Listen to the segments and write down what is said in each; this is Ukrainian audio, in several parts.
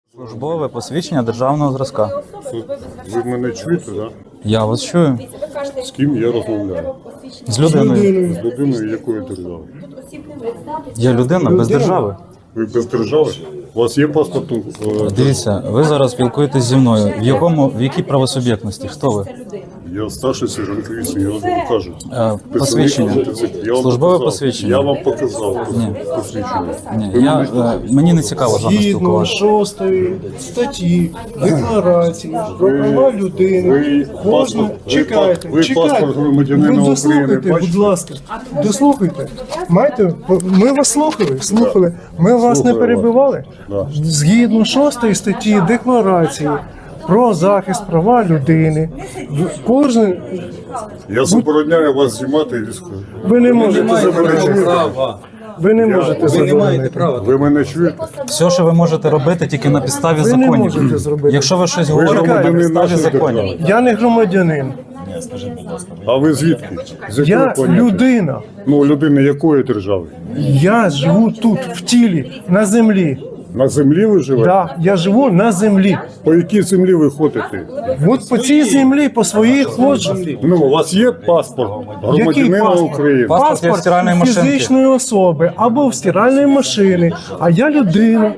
Службове посвідчення державного зразка. Ви мене чуєте, так? Да? Я вас чую. З ким я розмовляю? З людиною. З людиною якої держави? Я людина без держави. Ви без держави? У вас є паспорт? Дивіться, ви зараз спілкуєтесь зі мною. В якій правосуб'єктності? Хто ви? Я старший сержант міліції, я вам кажу. Посвідчення. Я вам Службове показав. посвідчення. Я вам показав посвідчення. Ні, мені не цікаво з вами Згідно спілкуватися. 6 статті Декларації про права людини, кожна... Чекайте, ви паспорт громадянина Ви України дослухайте, бачите? будь ласка, дослухайте. Ми вас слухали. Ми вас не Слухаю перебивали. Да. Згідно 6 статті Декларації про захист права людини, кожен... Я забороняю вас знімати і військові. Ви не можете заборонити. Ви не можете заборонити. Ви мене чуєте? Все, що ви можете робити, тільки на підставі Ви не законів. можете зробити. Якщо ви щось говорите на громадянин підставі нашої законів. держави. Я не громадянин, А ви звідки? З якої я планети? людина. Ну, людина якої держави? Я живу тут, в тілі, на землі. На землі ви живете? Да, я живу на землі. По якій землі ви ходите? От по цій землі, по своїй ходжу. Ну, у вас є паспорт Який громадянина паспорт? України? Паспорт є в стиральної машинки. фізичної особи або в стиральної машини, а я людина.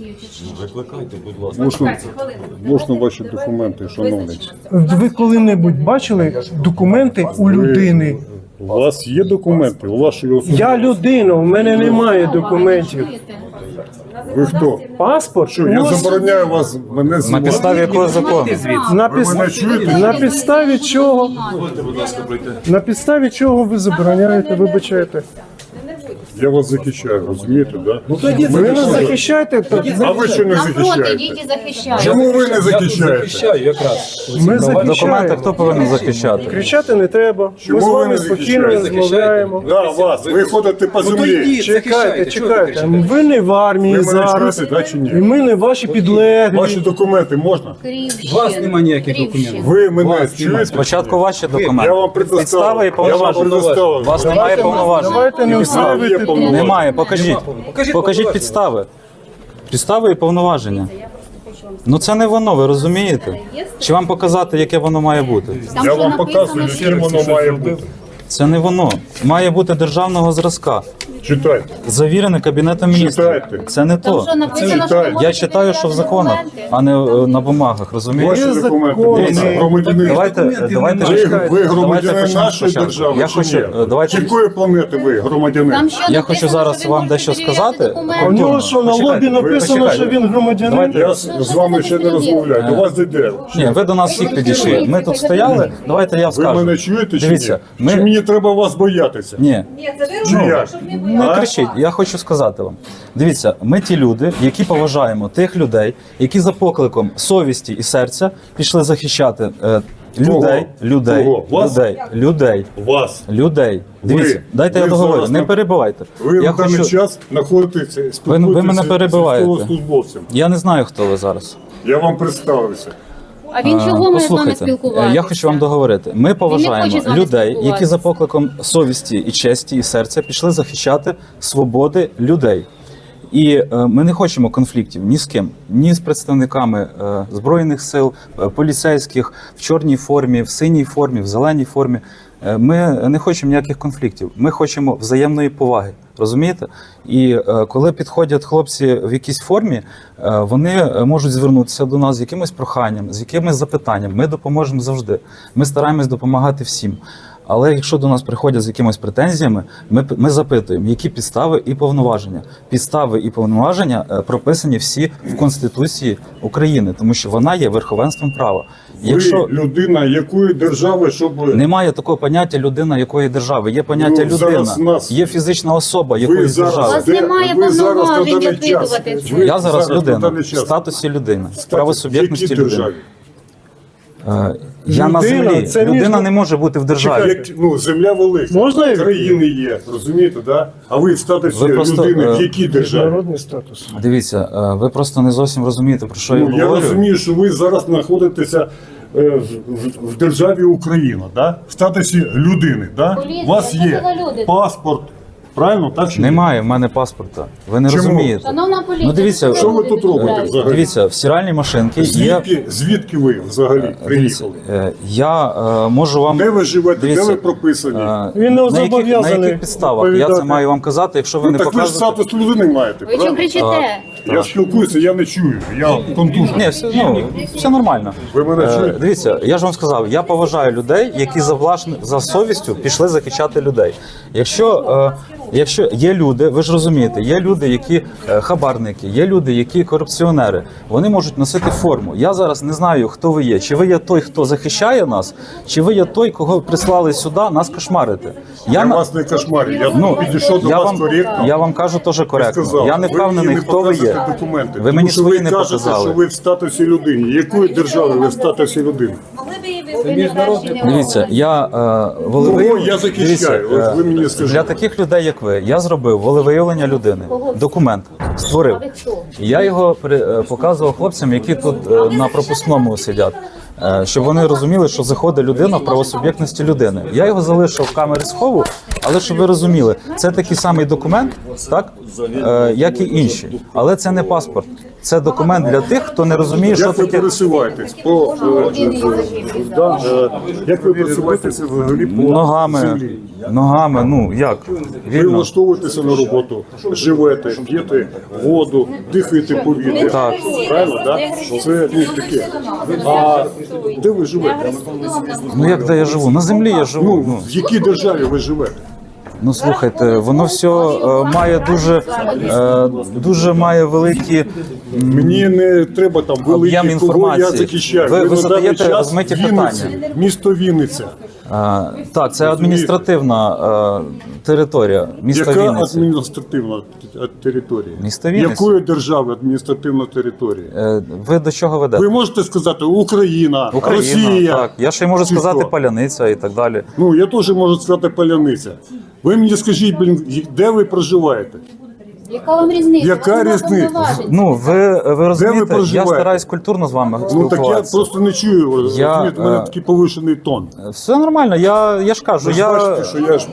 Можна ваші документи, шановний? Ви коли-небудь бачили документи у людини? У вас є документи? У вашої особи? Я людина, у мене немає документів. Ви хто? Паспорт? Що, я Ось забороняю вас мене На знімати? підставі якого закону? Ви мене чуєте? на підставі чого? На підставі чого ви забороняєте, вибачаєте? Я вас захищаю, розумієте, да? Ви нас захищаєте? А ви що не На фронт захищаєте? ідіть і захищайте. Чому ви не захищаєте? Ми Документи захищаємо. хто повинен захищати? Кричати не треба. Чому Ми з ви вами не спокійно захищаєте? розмовляємо. Да, вас. Ви ходите по землі. Чекайте. Ви не в армії Ви мене зараз. чуєте, да, чи ні? І ми не ваші Ваші підлеглі. документи можна? Вас немає ніяких документів. Ви мене чуєте? Спочатку ваші документи. Я вам Підстави і предоставив. Я вам повноваження. предоставив. У вас немає повноважень. Давайте не усилювати тут. Немає, покажіть. Покажіть підстави. Підстави і повноваження. Ну це не воно, ви розумієте? Чи вам показати, яке воно має бути? Там Я що вам написано, показую, що яким воно має бути. Це не воно. Має бути державного зразка. Читайте. Завірене Кабінетом міністрів. Читайте. Це не Там то. що написано, що Читайте. ви можете Я читаю, що в законах, документи. а не на бумагах, розумієте? Ваші документи. закони. Дивіться, громадянин. Давайте Ви громадянин почнемо нашої спочатку. держави Я чи хочу, ні? давайте- Якої планети ви громадянин? Там що Я написано, хочу зараз що ви вам можете дещо перевіряти сказати. документи? У нього що, на лобі Почекайте, написано, почекайте. що він громадянин? Я з вами ще не розмовляю. До вас йде. Ні, ви до нас всіх підійшли. Ми тут стояли. Давайте я Ви скажу. мене чуєте чи Дивіться, ні? Чи ми мені треба вас боятися? ні. Чи як? Не кричіть, я хочу сказати вам. Дивіться, ми ті люди, які поважаємо тих людей, які за покликом совісті і серця пішли захищати людей. Вас. Дивіться, дайте я ви договорю, зараз не на- перебивайте. Ви Я в даний хочу, час знаходитеся, ви мене перебиваєте. військовослужбовцем. я не знаю, хто ви зараз. Я вам представився. А він чого має з вами Послухайте, спілкуватися? я хочу вам договорити. Ми хоче поважаємо з вами людей, які спілкуватися. за покликом совісті і честі і серця пішли захищати свободи людей. І ми не хочемо конфліктів ні з ким, ні з представниками Збройних сил, поліцейських в чорній формі, в синій формі, в зеленій формі. Ми не хочемо ніяких конфліктів. Ми хочемо взаємної поваги. Розумієте? І коли підходять хлопці в якійсь формі, вони можуть звернутися до нас з якимось проханням, з якимось запитанням. Ми допоможемо завжди. Ми стараємось допомагати всім. Але якщо до нас приходять з якимись претензіями, ми запитуємо, які підстави і повноваження. Підстави і повноваження прописані всі в Конституції України, тому що вона є верховенством права. Якщо Ви людина якої держави, щоб... немає такого поняття людина якої держави, є поняття Ну, зараз людина, нас- є фізична особа Ви якоїсь зараз, У держави. вас немає ви зараз на повноважень даний час, опитувати це. ви Я зараз на людина даний в час статусі людини, в в правосуб'єктності якій людини. державі? Я на Людина, землі. це Людина між- не може бути в державі. Як, земля велика, Можна я країни є, розумієте, да? А ви в статусі Ви просто, людини в якій державі? Міжнародний статус. Дивіться, ви просто не зовсім розумієте, про що я Ну, я говорю. розумію, що ви зараз знаходитеся в державі Україна, да? В статусі людини. Да? Поліція, У вас це є коли люди. паспорт Правильно, так чи ні? Немає в мене паспорта. Ви не Чому? розумієте. Шановна поліція, Ну, дивіться, Що ви тут робите взагалі? Дивіться, в стиральній машинці є. Звідки ви взагалі Дивіться, приїхали? я можу вам. Де ви живете, Дивіться, де ви прописані? Він не на зобов'язаний яких підставах? Я це відповідати. маю вам казати, якщо ви Ну, не так ви ж покажете. статус людини маєте, ви чим правильно? кричите? Я спілкуюся, я не чую, я контужений. Ні, все нормально. Ви мене чуєте? Дивіться, я ж вам сказав, я поважаю людей, які за совістю пішли захищати людей. Якщо є люди, ви ж розумієте, є люди, які хабарники, є люди, які корупціонери. Вони можуть носити форму. Я зараз не знаю, хто ви є. Чи ви є той, хто захищає нас, чи ви є той, кого прислали сюди нас кошмарити. Я вас не кошмарю, я підійшов до вас коректно. Я вам кажу теж коректно. Сказав, Я не впевнений, мені хто ви є. показуєте документи, Ви мені тому що свої ви не кажете, показали. що ви в статусі людини. Якої держави ви в статусі людини? Дивіться, я волевиявлення. я захищаю? От ви мені скажіть. Для таких людей, як ви, я зробив волевиявлення людини. Документ створив. І я його показував хлопцям, які тут на пропускному сидять. Щоб вони розуміли, що заходить людина в правосуб'єктності людини. Я його залишив в камері схову, але щоб ви розуміли, це такий самий документ, так, як і інші. Але це не паспорт. Це документ для тих, хто не розуміє, що Як ви таке. пересуваєтесь? Як ви пересуваєтеся взагалі по Ногами, землі? ну як? Ви Вільно. влаштовуєтеся на роботу, живете, п'єте воду, дихаєте повітря. Так. Правильно, так? Це таке. А де ви живете? Ну як де я живу? На землі я живу. В якій державі ви живете? Ну слухайте, воно все має дуже має великі Мені не треба там Об'єм великий, кого я інформації. захищаю. Ви на даний задаєте час розмиті Вінниці, питання. місто Вінниця. так, це адміністративна територія міста Яка Вінниці. адміністративна територія? Місто Вінниця. Якої держави адміністративна територія? Ви до чого ведете? Ви можете сказати Україна, Росія. Так. Я ще й можу Чи сказати хто? Паляниця і так далі. Ну, я теж можу сказати Паляниця. Ви мені скажіть, де ви проживаєте? Яка вам різниця? Яка Вас нема різниця? повноважень. Ну, ви розумієте, я проживаєте? стараюсь культурно з вами Ну так я спілкуватися. просто не чую. Розумієте, у мене такий повишений тон. Все нормально, я ж кажу, Ви ж бачите, що я ж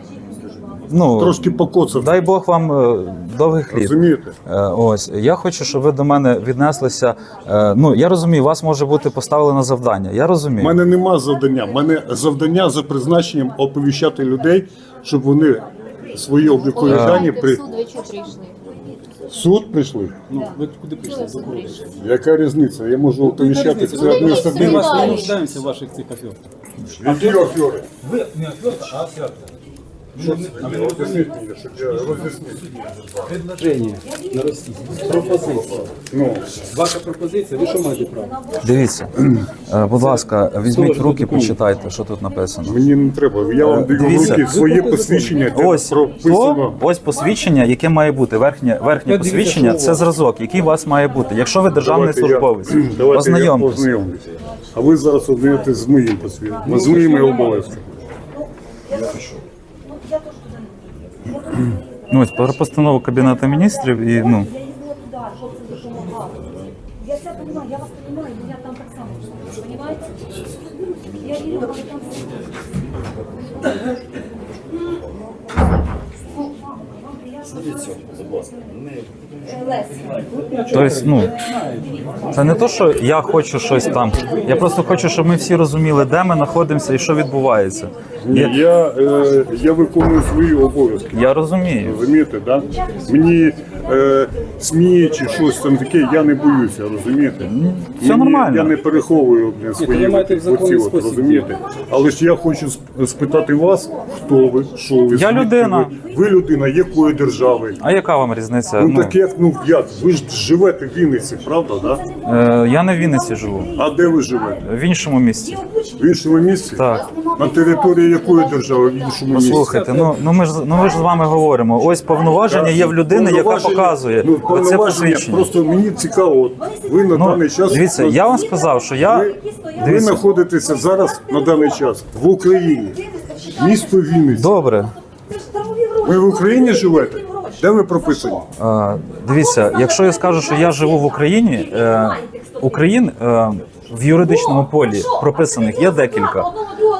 трошки покоцав. дай Бог вам довгих літ. Розумієте? Ось я хочу, щоб ви до мене віднеслися. Ну я розумію, вас може бути поставлено завдання. Я У розумію. мене нема завдання. У мене завдання за призначенням оповіщати людей, щоб вони свої облікові дані В при суд ви чого прийшли? суд прийшли. Ви куди прийшли? За кого? Яка різниця? Я можу оповіщати це Ми адміністративно. вас не нуждаємося в ваших цих аферах. Які афери? Ви не аферка, а аферка. Роз'ясніть мені, щоб я роз'яснив. Предложення на Росію. Пропозиція. Ваша пропозиція, ви що маєте право? Дивіться, будь ласка, візьміть в руки, почитайте, що тут написано. Мені не треба. Я вам даю в Дивіться. руки своє посвідчення, де Ось прописано. ось посвідчення, яке має бути. Верхнє посвідчення це зразок, який у вас має бути. Якщо ви державний службовець, Давайте я ознайомтесь. познайомлюся. А ви зараз ознайомитесь з моїм посвідченням, з моїми обов'язками. Ну, ось про постанову Кабінету міністрів і ну. Я все понимаю, я вас понимаю, но я там так само, понимаете? Я верю, что там Тобто, ну, це не то, що я хочу щось там. Я просто хочу, щоб ми всі розуміли, де ми знаходимося і що відбувається. Ні, я виконую свої обов'язки. Я розумію. Розумієте, да? Мені СМІ чи щось там таке, я не боюся, розумієте? все нормально. Я не переховую свої ви маєте в законний оці, спосіб розумієте? Але ж я хочу спитати вас, хто ви, що ви, звідки людина. Ви людина якої держави? А яка вам різниця? Ну так як, ви ж живете в Вінниці, правда, да? Я не в Вінниці живу, А де ви живете? в іншому місці. В іншому місці? Так. На території якої держави в іншому місці? Слухайте, ну ми ж з вами говоримо. Ось повноваження є в людини, яка Повноваження- показує ну, оце повноваження, посвідчення. Просто мені цікаво, от ви на даний час... Дивіться, я вам сказав, що я Ви дивіться, знаходитеся зараз на даний час в Україні, місто Вінниця. добре. Ви в Україні живете? Де ви прописані? Дивіться, якщо я скажу, що я живу в Україні, Україн в юридичному полі прописаних є декілька.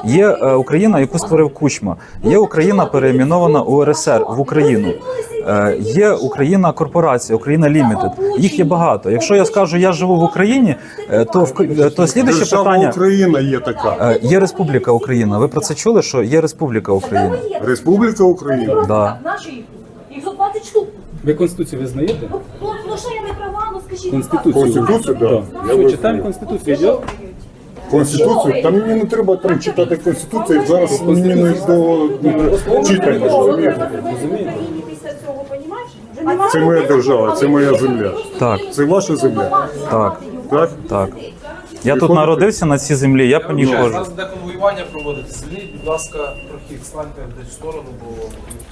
Є Україна, яку створив Кучма. Є Україна, переіменована УРСР в Україну. Є Україна корпорація, Україна Лімітед. Їх є багато. Якщо я скажу, я живу в Україні, то слідуюче Держава питання. Україна є така. Є Республіка Україна. Ви про це чули, що є Республіка Україна? Республіка Україна. Да. Наші їх за 20 штук. Ви Конституцію визнаєте? Ну що я не права, ну скажіть. Конституцію. Конституцію, так. Так. Що, читаємо Конституцію, йде? Конституцію? Та мені не треба там читати Конституцію, зараз мені не до читання. розумієте? Після цього, понімаєш? Це моя держава, це моя земля. Так, Це ваша земля? так, Так? так. Я тут народився на цій землі, я по ній У ходжу. нас де конвоювання проводиться. Звільніть, будь ласка, прохід, станьте десь в сторону, бо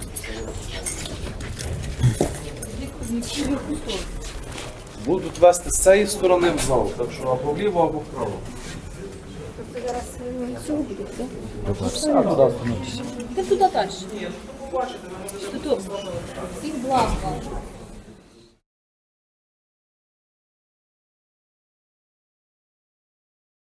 будуть вести з цієї сторони в зал, так що або вліво, або вправо. Ти туди далі. Тут. Всіх блага.